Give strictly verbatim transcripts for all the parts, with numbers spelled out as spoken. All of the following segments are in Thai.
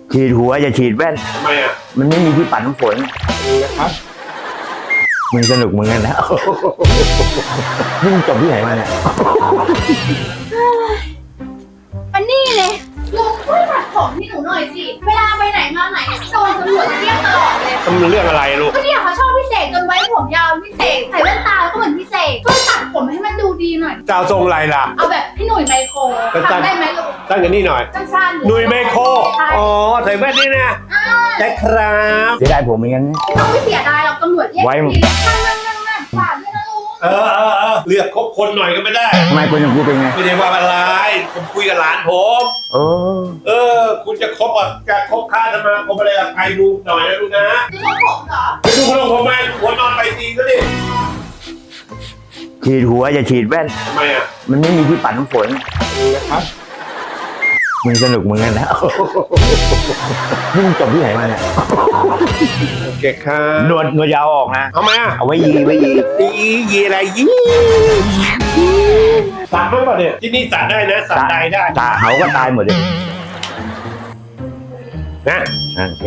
ฉีดหัวอย่าฉีดแว่นทำไมอ่ะมันไม่มีที่ปัดน้ำฝนครับมึงสนุกมึงกันนะ นี่มึงจบที่ไหนมาเนี่ยมันนี่เลยลุงช่วยตัดผมให้หนูหน่อยสิ เวลาไปไหนมาไหนโดนตำรวจเรียกตลอดเลยมันเรื่องอะไรลูกก็เนี่ยเขาชอบพี่เสกจนไว้ผมยาวพี่เสกใส่แว่นตาแล้วก็เหมือนพี่เสกช่วยตัดผมให้มันดูดีหน่อยเจ้าทรงอะไรล่ะเอาแบบพี่หนุ่ยไมโครสั้นๆทำได้ไหมลุงตั้งกันนี่หน่อยสั้นๆหนุ่ยไมโครใช่อ๋อใส่แว่นนี่นะอ่าได้ครับเสียดายผมเหมือนกันนะไม่ต้องไม่เสียดายหรอกตำรวจเรียกไว้ทีนั่งนั่งนั่งนั่งฝากด้วยนะลุงเออเออเออเลือกคบคนหน่อยก็ไม่ได้ทำไมคนอย่างกูเป็นไงไม่ได้ว่าอะไรผมคุยกับหลานผมโอ้เออ คุณจะคบอ่ะจะคบค้าสมาคมอะไรกับใครดูหน่อยนะลูกนะดูว่าผมเหรอไปดูคนของผมมาหัวนอนไปตีก็ดิฉีดหัวอย่าฉีดแว่นทำไมอ่ะมันไม่มีที่ปัดน้ำฝนครับมึงสนุกมึงกันนะ นี่มึงจบที่ไหนมาเนี่ยโอเคครับหนวดหนวดยาวออกนะเอาไหมอ่ะเอาไว้ยีไว้ยียียีอะไรยีสัตว์มั้งป่ะเนี่ยที่นี่สัตว์ได้นะสัตว์ใดได้ตาเขาก็ตายหมดเลยนะโอเค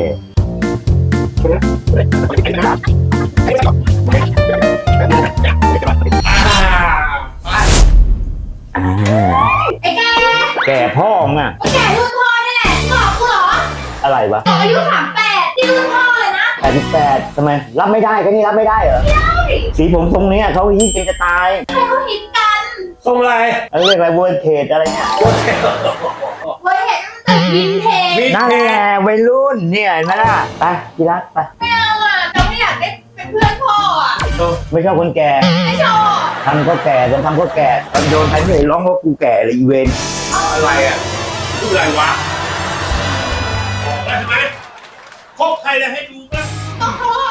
อ่าอ่าไอ้แกแก่พ่อมึงอะไอ้แกรุ่นพ่อนี่แหละบอกกูเหรออะไรวะบอกอายุสามแปดที่รุ่นพ่อเลยนะแปดสิบแปดทำไม รับไม่ได้ก็นี่รับไม่ได้เหรอใช่สีผมทรงเนี้ยเขาฮิตกันจะตายใครเขาฮิตกันทรงอะไรอะไรเรียกอะไรเวอร์เทจอะไรเนี่ยเว้ยเห็นมันตึกวินเทจวินนั่นแหละวัยรุ่นเนี่ยเห็นไหมล่ะ ไปกีรักไปไม่เอาอ่ะเราไม่อยากได้เป็นเพื่อนพ่ออ่ะไม่ชอบคนแก่ไม่ชอบทำก็แก่จนทำก็แก่ตอนโดนใครไม่เห็นร้องว่ากูแก่เลยอีเวนอะไรอ่ะพูดอะไรวะบอกได้ใช่ไหมคบใครแล้วให้ดูบ้างต้องเขา